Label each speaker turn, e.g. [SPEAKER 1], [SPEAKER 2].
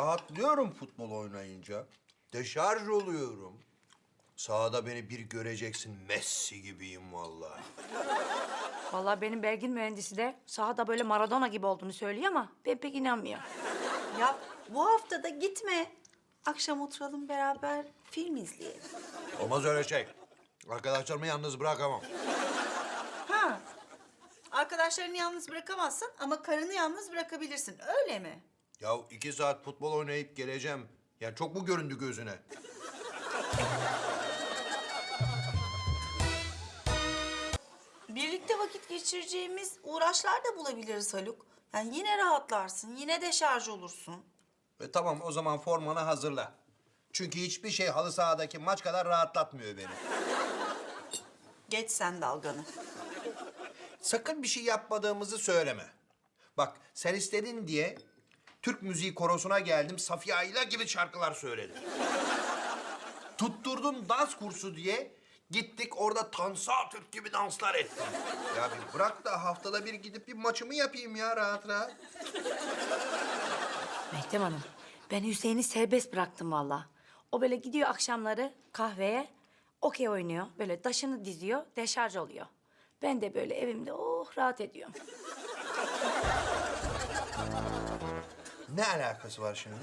[SPEAKER 1] rahatlıyorum futbol oynayınca. Deşarj oluyorum. Sahada beni bir göreceksin, Messi gibiyim vallahi.
[SPEAKER 2] Vallahi benim Belgin mühendisi de sahada böyle Maradona gibi olduğunu söylüyor ama ben pek inanmıyorum.
[SPEAKER 3] Ya bu hafta da gitme. Akşam oturalım beraber film izleyelim.
[SPEAKER 1] Olmaz öyle şey. Arkadaşlarımı yalnız bırakamam.
[SPEAKER 3] Ha. Arkadaşlarını yalnız bırakamazsın ama karını yalnız bırakabilirsin. Öyle mi?
[SPEAKER 1] Ya 2 saat futbol oynayıp geleceğim. Yani çok mu göründü gözüne?
[SPEAKER 3] Birlikte vakit geçireceğimiz uğraşlar da bulabiliriz Haluk. Yani yine rahatlarsın, yine deşarj olursun.
[SPEAKER 1] Tamam o zaman formanı hazırla. Çünkü hiçbir şey halı sahadaki maç kadar rahatlatmıyor beni.
[SPEAKER 3] Geç sen dalganı.
[SPEAKER 1] Sakın bir şey yapmadığımızı söyleme. Bak sen istedin diye Türk müziği korosuna geldim. Safiye Ayla gibi şarkılar söyledim. Tutturdun dans kursu diye gittik orada Tansu Türk gibi danslar ettim. Ya bir bırak da haftada bir gidip bir maçımı yapayım ya rahat rahat.
[SPEAKER 2] Meltem Hanım, ben Hüseyin'i serbest bıraktım vallahi. O böyle gidiyor akşamları kahveye, okey oynuyor. Böyle taşını diziyor, deşarj oluyor. Ben de böyle evimde rahat ediyorum.
[SPEAKER 1] Ne alakası var şimdi?